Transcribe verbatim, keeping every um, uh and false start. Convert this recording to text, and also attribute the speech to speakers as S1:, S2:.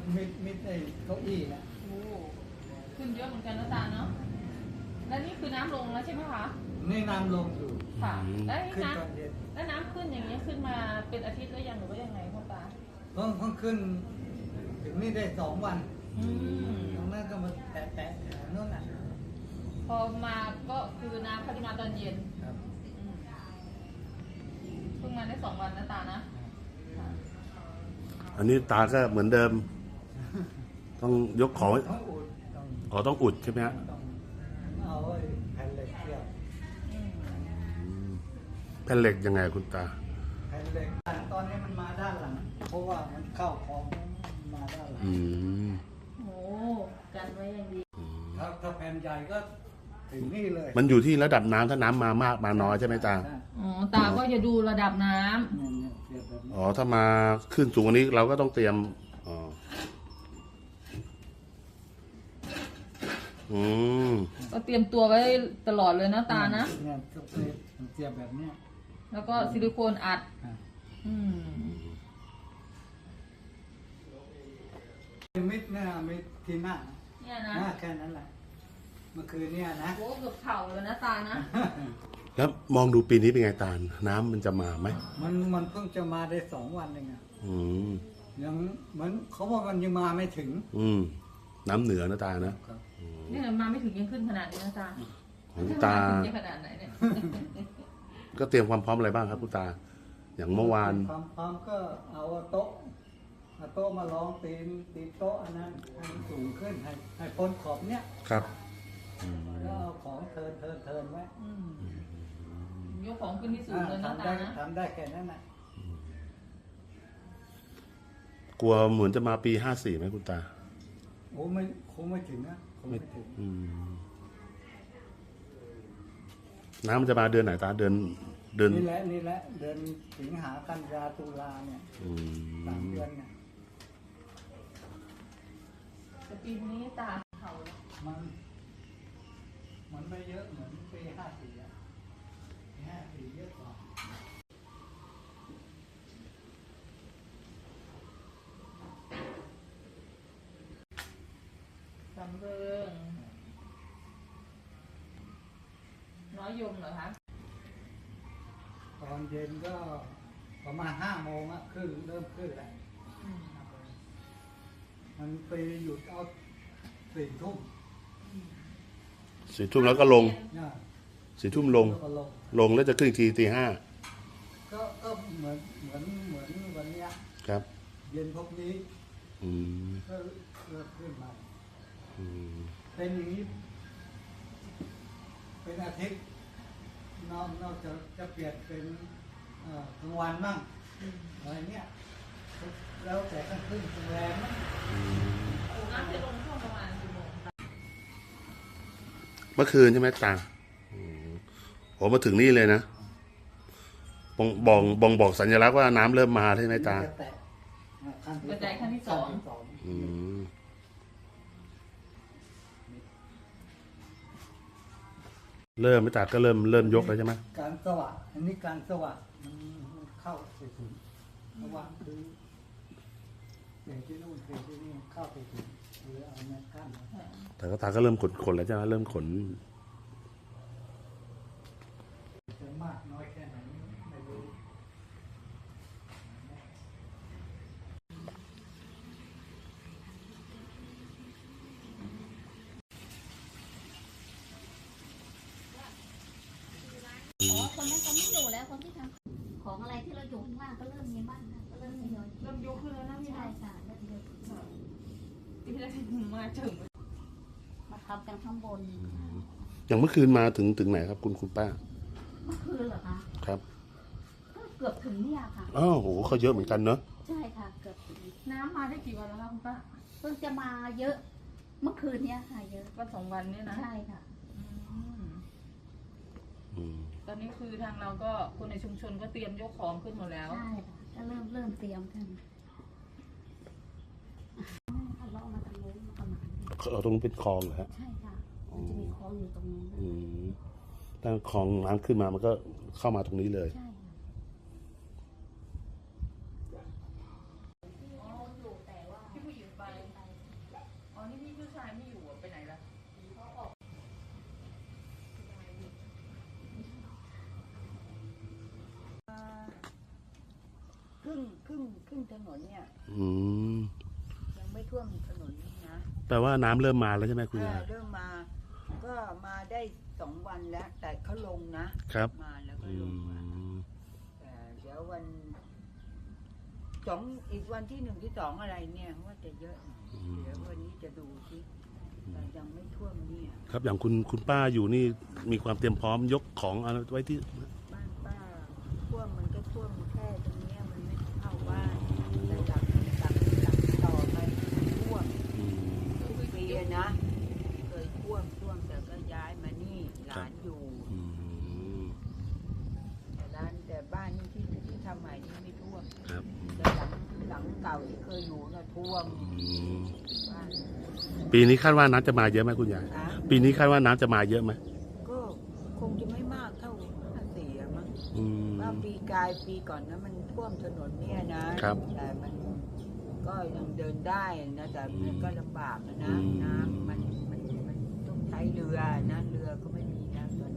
S1: มิดมิดไอ้เก้าอี้นะ
S2: โอ้ขึ้นเยอะเหมือนกันนะตาเนาะแล้วนี่คือน้ำลงแล้วใช่ไหมคะ
S1: นี่น้ำลงอยู่
S2: ค่ะแล้ว
S1: ขึ้น
S2: น้
S1: ตอนเย็น
S2: ำแล้วน้ำขึ้นอย่างเงี้ยขึ้นมาเป็นอาทิตย์แล้วยังหรือว่ายังไงพ่อตา
S1: เพิ่งเพิ่งขึ้นถึงนี่ได้สองวัน
S2: อืม
S1: ตรงนั้นก็มาแตะแตะนู่นน่ะ
S2: พอมาก็คือน้ำเขาจะมาตอนเย็น
S1: ครับ
S2: เพิ่งมาได้สองวันนะตานะ
S3: อันนี้ตาก็เหมือนเดิมต้องยกของ
S1: ต้องอุดต้อง
S3: อ๋อต้องอุดใช่ไหมฮะ
S1: ต้องเอาไอ้แผ่นเหล็กเกี่ยว
S3: แผ่นเหล็กยังไงคุณตา
S1: แผ่นเหล็กตอนนี้มันมาด้านหลังเพราะว่ามันเข้าคลองมาด้านหลัง
S3: อืม
S2: โอ้กันไว้อย่างดี
S1: ถ้าถ้าแผ่นใหญ่ก็ถึงนี่เลย
S3: มันอยู่ที่ระดับน้ำถ้าน้ำมามากมาน้อยใช่ไหมตา
S2: อ๋อตาก็จะดูระดับน้
S3: ำอ๋อถ้ามาขึ้นสูงกว่านี้เราก็ต้องเตรียมอ๋ออืม
S2: ก็เตรียมตัวไว้ตลอดเลยนะตานะ
S1: เนี่ยก็เตรียมแบบเนี้ย
S2: แล้วก็ซิลิโคนอัดอืม
S1: มิดเนี่ยมิดที่หน้า
S2: เนี่ยนะ
S1: แค่นั้นแหละเมื่อคืนเนี่ยนะ
S2: โอ้เกือบเข่าเลยนะตานะ
S3: แล้วมองดูปีนี้เป็นไงตาน้ำมันจะมาไหม
S1: มันมันเพิ่งจะมาได้สองวันเองอ่ะ
S3: อืม
S1: ยังเหมือนเขาว่ามันยังมาไม่ถึง
S3: อืมน้ำเหนือนะตานะ
S2: นี่มาไม่ถึงยังขึ้นขนาดนี้นะตา
S3: ของตา
S2: ขนาดไหนเนี่ย
S3: ก็เตรียมความพร้อมอะไรบ้างครับคุณตาอย่างเมื่อวาน
S1: ความพร้อมก็เอาโต๊ะเอาโต๊ะมาลองตีนตีโต๊ะอันนั้นให้สูงขึ้นให้ให้พ้นขอบเนี้ย
S3: ครับ
S1: แล้วเอาของเทินเทินเทินไว้
S2: ยกของขึ้นที่สูงเลยนะตานะ
S1: ทำได้แค่นั้นนะ
S3: กลัวเหมือนจะมาปีห้าสี่ไหมคุณตา
S1: โอ้ไม่คงไม่ถึงนะคงไม่ถึง
S3: น้ำมันจะมาเดือนไหนตาเดือนเดือน
S1: นี่แหละนี่แหละเดือนสิงหากันยาตุลาเนี่ยสามเดือนเนี่ย
S2: แต่ปีนี้ตาเขา
S1: มันมันไม่เยอะเหมือนปีห้าสี่อ่ะห้าสี่เยอะกว่า
S2: สำเริงน้อยยมเหรอคะ
S1: ตอนเย็นก็ประมาณห้าโมงอะขึ้นเริ่มขึ้นแล้วมันไปหยุดเอาสี่ทุ่ม
S3: สี่ทุ่มแล้วก็ลงสี่ทุ่มลงลงแล้วจะขึ้นอีกทีตีห้า
S1: ก็ก็เหมือนเหมือนเหมือนวันนี้
S3: ครับ
S1: เย็นพวกนี้
S3: อืม
S1: ก็เริ่มขึ้นมาเป็นอย่างนี้เป็นอาทิตย์นอกนอกจะจะเปลี่ยนเป็นกลางวันบ้างอะไรเนี้ยแล้วแต่กลางคืนกลางแรมนะ
S2: น้ำจะลงช่วงประมาณกี่โมง
S3: เมื่อคืนใช่ไหมตาโอ้มาถึงนี่เลยนะบ่งบอกบ่งบอกสัญลักษณ์ว่าน้ำเริ่มมาใช่ไหมตาก
S2: ระจายขั้นที่สอง
S3: เริ่มไม่ตาก็เริ่มเริ่มยกแล้วใช่ไหม
S1: การสว่างอันนี้การสว่างมันเข้าไปถึงสว่างคือเปลี่ยนที่นู่นเปลี่ยนที่นี่เข้าไปถึงหรือเอาแมสกั้น
S3: แต่ก็ตาก็เริ่มขนขนแล้วใช่ไหมเริ่มขน
S1: จะมากน้อยแค่ไหนไม่รู้
S4: อ๋อคนนั้นเขาไม่อยู่แล้วคนที่ทำของอะไรที่เราอยู่ข้างล่างก็เริ่มมีบ้างนะก็เริ่มทยอย
S2: เริ่มยกขึ้นแล้วนะพี่
S4: ใช่ค่ะเริ่มยก
S2: ปีแรกมาถึง
S4: มาทำกันข้างบน
S3: อย่างเมื่อคืนมาถึงถึงไหนครับคุณคุณป้า
S4: เมื่อคืนเหรอคะ
S3: ครับ
S4: ก็เกือบถึงเนี่ยค่ะ
S3: อ้าวโหเขาเยอะเหมือนกันเนอะ
S4: ใช่ค่ะเกือบถึง
S2: น้ำมาได้กี่วันแล้วคะคุณป้า
S4: เพิ่งจะมาเยอะเมื่อคืนเนี้ยค่ะเยอะ
S2: วันสองวันนี้นะ
S4: ใช่ค่ะ
S2: ตอนนี้คือทางเราก็คนในชุมชนก็เตรียมยกของขึ้นหมดแล้ว
S4: ใช่ค่ะก็เริ่มเริ่มเตรียมกันเราเอามาทางโน้นประมาณ
S3: เราตรงเป็นคลองเหรอฮะ
S4: ใช่ค่ะมันจะมีคลองอยู่ตรงนี้
S3: ถ้าคลองน้ำขึ้นมามันก็เข้ามาตรงนี้เลย
S4: ใช่
S2: ที่ผู้หญิงไป
S5: รึ่งครึ่งครึ่งถนนเนี่ย
S3: อืม
S5: ยังไม่ท่วมถนนนะ
S3: แปลว่าน้ำเริ่มมาแล้วใช่ไหมคุณยาย
S5: เริ่มมา ก็มาได้สองวันแล้ว แต่เขาลงนะครับ มาแล้วก็
S3: อื
S5: ลงมา
S3: ม
S5: แต่เดี๋ยววันสองอีกวันที่หนึ่งที่สองอะไรเนี่ยว่าจะเยอะหน่อยเดี๋ยววันนี้จะดูที่แต่ยังไม่ท่วมเนี่ย
S3: ครับอย่างคุณคุณป้าอยู่นี่มีความเตรียมพร้อมยกของอะไรไว้ที่
S5: บ้านป้าท่วมมันก็ท่วมแค่ตรงเนี้ยมันไม่เข้าบ้านแต่หลังหลังหลังต่อไปมันท่วม
S3: อืม
S5: ทุกปีอะนะ เคยท่วมท่วมแต่ก็ย้ายมานี่หลานอยู่
S3: อืม
S5: แต่ร้านแต่บ้านนี่ที่ที่ทำใหม่นี่ไม่ท่วม
S3: ครับ
S5: แต่หลังหลังเก่าที่เคยอยู่น่ะท่วม
S3: อืม
S5: บ้าน
S3: ปีนี้คาดว่าน้ำจะมาเยอะไหมคุณยาย
S5: นะ
S3: ปีนี้คาดว่าน้ำจะมาเยอะไหม
S5: ก็คงจะไม่มากเท่าห้าสี่อะมั้ง
S3: อืม
S5: ว่าปีกายปีก่อนนะมันท่วมถนนเนี่ยนะครับ แต่มันก็ยังเดินได้นะแต่มันก็ลำบากอะนะ
S3: อืม
S5: น้ำมันมันมันต้องใช้เรือนะเรือก็ไม่มีนะตอน